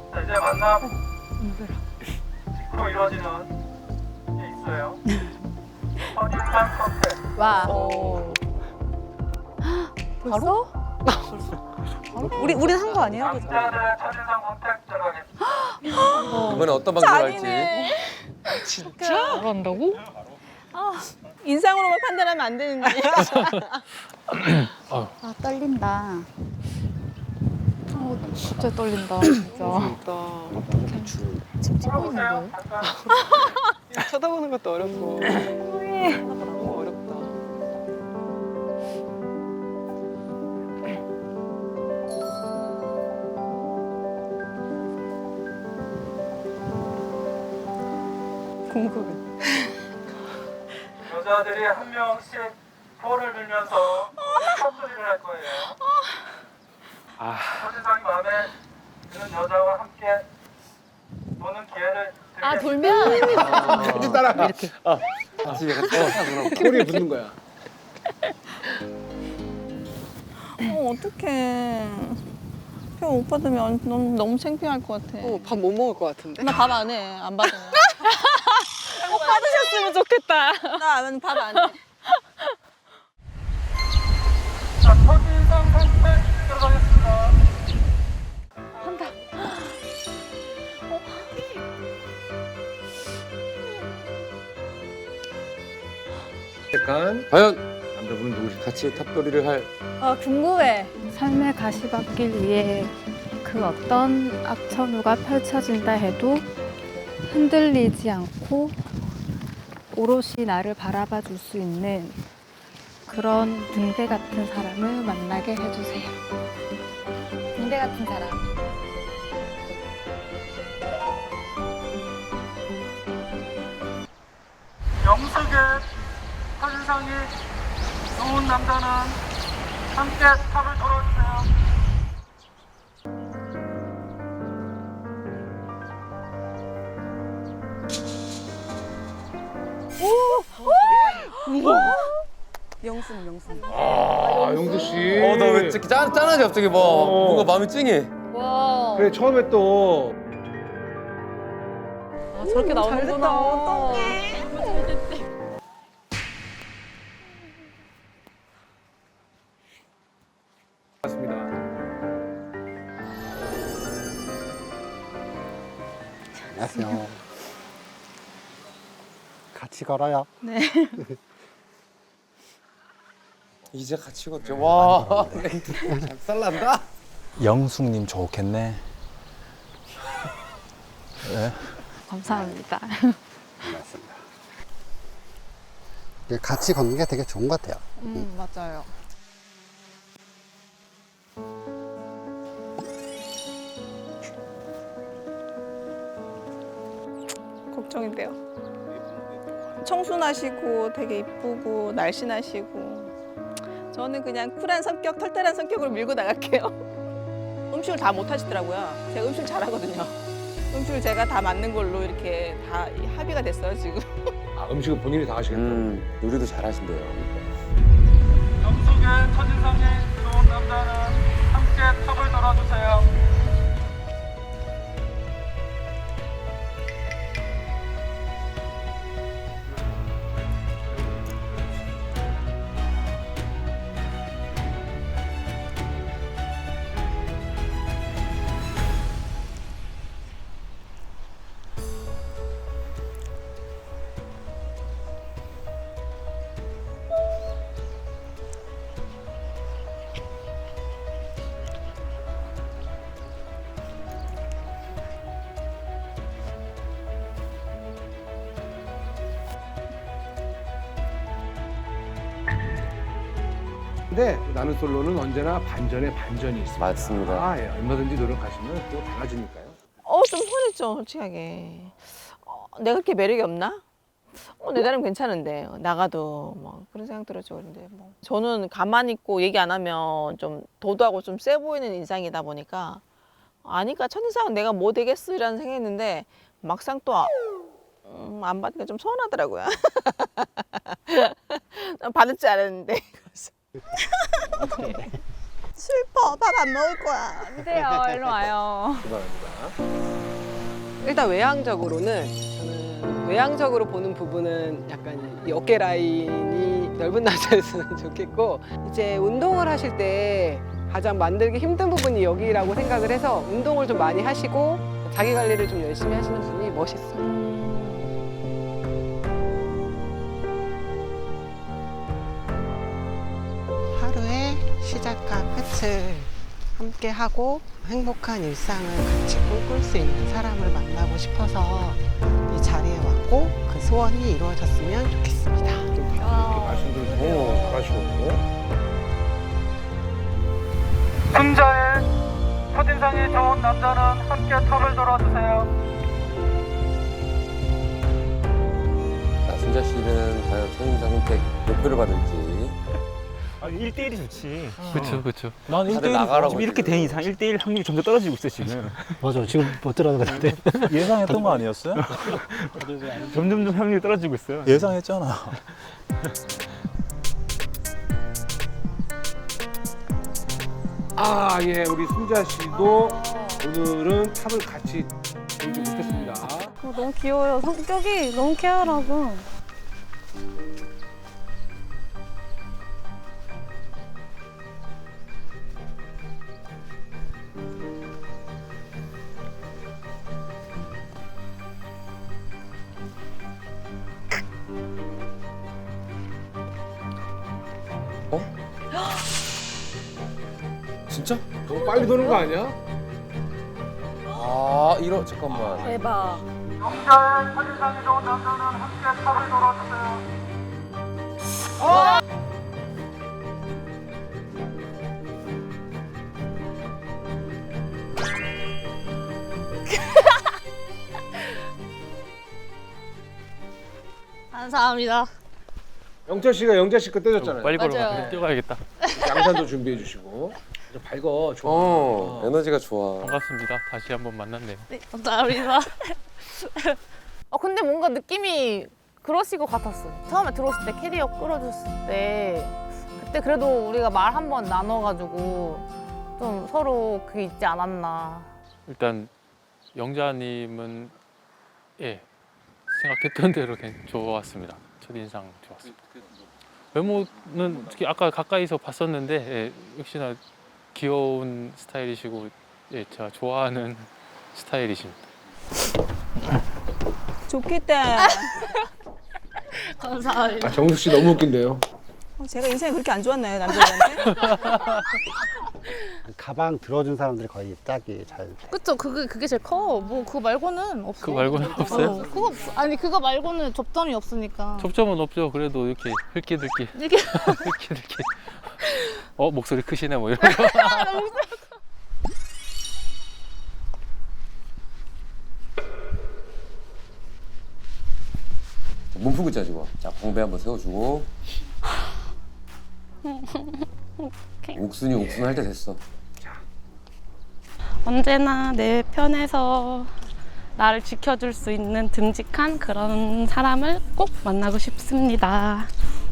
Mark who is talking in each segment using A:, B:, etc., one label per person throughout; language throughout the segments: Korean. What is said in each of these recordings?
A: 자, 이제 만남 직후로 이루어지는 게 있어요. 첫인상 선택.
B: 와.
C: 벌써? 우리는 한 거 아니에요? 그죠?
A: 남자들의 첫인상 선택 들어가겠습니다.
D: 이번에 어떤 방송을 할지.
E: 잘한다고?
B: 인상으로만 판단하면 안 되는데.
C: 아 떨린다.
E: 진짜 떨린다, 진짜.
C: 지금 찍고
A: 물어보세요.
C: 있는데.
A: 잠깐.
F: 쳐다보는 것도 어렵고 너무 어렵다.
B: 궁금해.
A: 여자들이 한 명씩 코를 들면서 콧소리를 할 거예요. 첫인상이 마음에 드는 여자와 함께 노는 기회를 드리겠습니다.
B: 돌면?
G: 같이 따라가.
D: 같이 그럼.
G: 꼬리에 붙는 거야.
B: 어떡해. 형 오빠 되면 너무 창피할 것 같아.
F: 밥 못 먹을 것 같은데?
B: 나 밥 안 해. 안 받아.
E: 받으셨으면 좋겠다.
B: 나 밥 안 해.
A: 자, 첫인상 선택 들어가겠습니다.
G: 약간
D: 과연
G: 남자분은 누구실까?
D: 같이 탑돌이를 할
C: 궁금해.
E: 삶의 가시밭길 위에 그 어떤 악천후가 펼쳐진다 해도 흔들리지 않고 오롯이 나를 바라봐 줄 수 있는 그런 등대 같은 사람을 만나게 해주세요.
C: 군대 같은 사람.
A: 영숙의 첫인상이 좋은 남자는 함께 탑을 돌아주세요.
B: 영순.
G: 아, 용두 씨.
D: 너 왜 이렇게 짠하지 갑자기 뭔가 마음이 찡해.
C: 와.
G: 그래, 처음에 또
B: 저렇게 나오는구나.
G: 맞습니다.
H: 안녕하세요. 같이 걸어요.
D: 이제 같이 걷죠. 와, 작살난다.
I: 영숙님 좋겠네.
E: 감사합니다.
H: 맞습니다. 같이 걷는 게 되게 좋은 것 같아요.
B: 맞아요. 걱정인데요. 청순하시고 되게 이쁘고 날씬하시고 저는 그냥 쿨한 성격, 털털한 성격으로 밀고 나갈게요. 음식을 다 못 하시더라고요. 제가 음식 잘하거든요. 음식을 제가 다 맞는 걸로 이렇게 다 합의가 됐어요, 지금.
G: 아, 음식은 본인이 다 하시겠다.
D: 요리도 잘하신대요.
A: 영숙의 첫인상이 좋은 남자는 함께 탑을 돌아주세요.
G: 근데 나는 솔로는 언제나 반전에 반전이 있습니다.
D: 맞습니다.
G: 아, 예. 얼마든지 노력하시면 또 달라지니까요.
B: 좀 서운했죠, 솔직하게. 내가 그렇게 매력이 없나? 내 나름 괜찮은데 나가도 뭐 그런 생각 들었죠. 그런데 뭐 저는 가만히 있고 얘기 안 하면 좀 도도하고 좀 세 보이는 인상이다 보니까 아니까 첫인상은 내가 뭐 되겠으라는 생각했는데 막상 또 안 받으니까 좀 서운하더라고요. 난 받을 줄 알았는데. 슬퍼. 밥 안 먹을 거야.
C: 안 돼요. 일로 와요.
F: 일단 외향적으로는 저는 외향적으로 보는 부분은 약간 이 어깨 라인이 넓은 남자였으면 좋겠고 이제 운동을 하실 때 가장 만들기 힘든 부분이 여기라고 생각을 해서 운동을 좀 많이 하시고 자기 관리를 좀 열심히 하시는 분이 멋있어요. 하루의 시작과 끝을 함께 하고 행복한 일상을 같이 꿈꿀 수 있는 사람을 만나고 싶어서 이 자리에 왔고 그 소원이 이루어졌으면 좋겠습니다.
G: 이렇게 말씀도 잘하시고.
A: 순자의 첫인상이 좋은 남자는 함께 탑을 돌아주세요.
D: 자, 순자 씨는 과연 첫인상 선택 몇 표를 받을지.
J: 1대1이 좋지.
I: 그쵸 그쵸.
J: 난
D: 다들 나가라고
J: 지금 이렇게 된 이상 1대1 확률이 점점 떨어지고 있어 지금.
H: 맞아. 지금 못 들어가는 것 같아.
I: 예상했던 거 아니었어요?
J: 점점 확률이 떨어지고 있어요.
I: 예상했잖아.
G: 아, 예, 우리 순자 씨도 오늘은 탑을 같이 돌지 못했습니다.
E: 너무 귀여워요. 성격이 너무 케어라고.
D: 진짜?
G: 너무 빨리 도는 거 아니야?
D: 아, 잠깐만.
C: 대박.
A: 영자의 첫인상이 좋은 남자는 함께 탑을 돌아주세요.
C: 감사합니다.
G: 영철 씨가 영자 씨 거 떼줬잖아요.
J: 빨리
C: 맞아요.
J: 걸어가. 뛰어가야겠다.
G: 양산도 준비해 주시고. 좀 밝어, 좋아.
D: 에너지가 좋아.
J: 반갑습니다. 다시 한번 만났네요.
C: 네, 감사합니다. 근데 뭔가 느낌이 그러실 것 같았어. 처음에 들어오실 때 캐리어 끌어줬을 때 그때 그래도 우리가 말 한 번 나눠가지고 좀 서로 그게 있지 않았나.
J: 일단 영자님은 예 생각했던 대로 그냥 좋았습니다. 첫인상 좋았습니다. 외모는 특히 아까 가까이서 봤었는데 예, 역시나 귀여운 스타일이시고 예, 제가 좋아하는 스타일이십니다.
B: 좋겠다.
C: 감사합니다.
G: 아, 정숙 씨 너무 웃긴데요.
B: 제가 인생이 그렇게 안 좋았나요, 남자들한테?
H: 가방 들어준 사람들이 거의 짝이 잘.
C: 그쵸? 그게 제일 커. 뭐 그거 말고는 없어.
J: 그거 말고는 없어요?
C: 그거 없어. 아니 그거 말고는 접점이 없으니까.
J: 접점은 없죠. 그래도 이렇게 흘끼들끼
C: 이렇게
J: 흘끼들끼 목소리 크시네 뭐 이런 거.
D: 몸 풀고 짜주고. 자, 공배 한번 세워주고. 옥순이 옥순 할 때 됐어.
K: 언제나 내 편에서 나를 지켜줄 수 있는 듬직한 그런 사람을 꼭 만나고 싶습니다.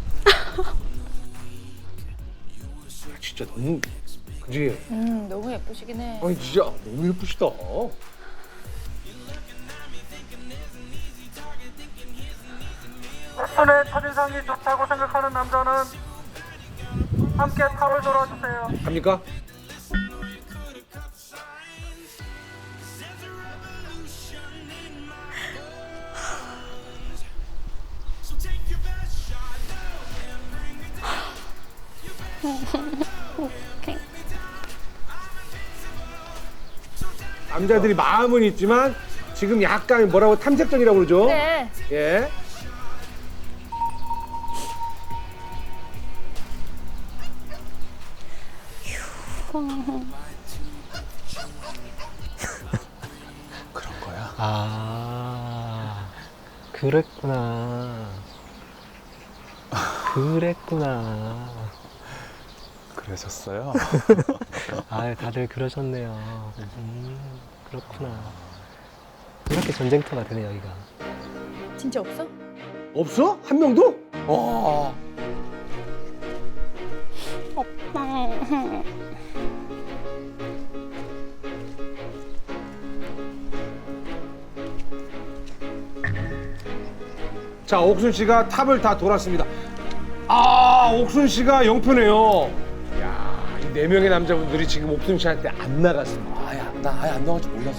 G: 진짜 너무, 그지?
C: 너무 예쁘시긴 해.
G: 아니, 진짜 너무 예쁘시다.
A: 옥순의 첫인상이 좋다고 생각하는 남자는 함께 탑을 돌아주세요.
G: 갑니까? 남자들이 마음은 있지만 지금 약간 뭐라고 탐색전이라고 그러죠?
C: 네.
G: 예.
I: 그런 거야?
L: 아, 그랬구나. 그랬구나.
I: 그러셨어요?
L: 아, 다들 그러셨네요. 그렇구나. 이렇게 전쟁터가 되네, 여기가.
C: 진짜 없어?
G: 없어? 한 명도?
K: 오빠.
G: 자, 옥순 씨가 탑을 다 돌았습니다. 아, 옥순 씨가 0표네요. 야, 이 4명의 남자분들이 지금 옥순 씨한테 안 나갔습니다.
D: 나 아예 안 나갈 줄 몰랐어.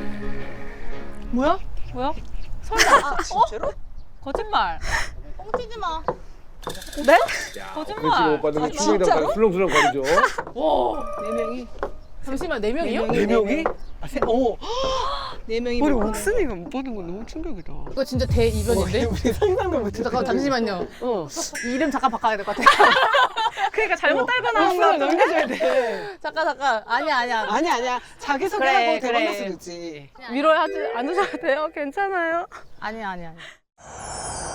C: 뭐야? 뭐야? 설마? 진짜로? 거짓말. 뻥치지 마.
B: 네?
C: 거짓말.
G: 오빠는 충격이 술렁술렁 거리죠.
C: 와, 4명이. 잠시만, 4명이요?
F: 4명이?
B: 네 명이
F: 우리
B: 못
F: 옥순이가 못 받은 건 너무 충격이다.
C: 이거 진짜 대이변인데?
F: 우리 상상도 못했어.
C: 잠깐 잠시만요. 이름 잠깐 바꿔야 될 것 같아.
K: 그러니까 잘못 달고
F: 옥순을
K: 나온 거
F: 넘겨줘야 돼.
C: 잠깐. 아니야.
F: 아니야. 자기소개하고
B: 그래,
F: 대박
B: 그래.
F: 났을 지
K: 위로하지 않으셔도 돼요. 괜찮아요.
C: 아니야.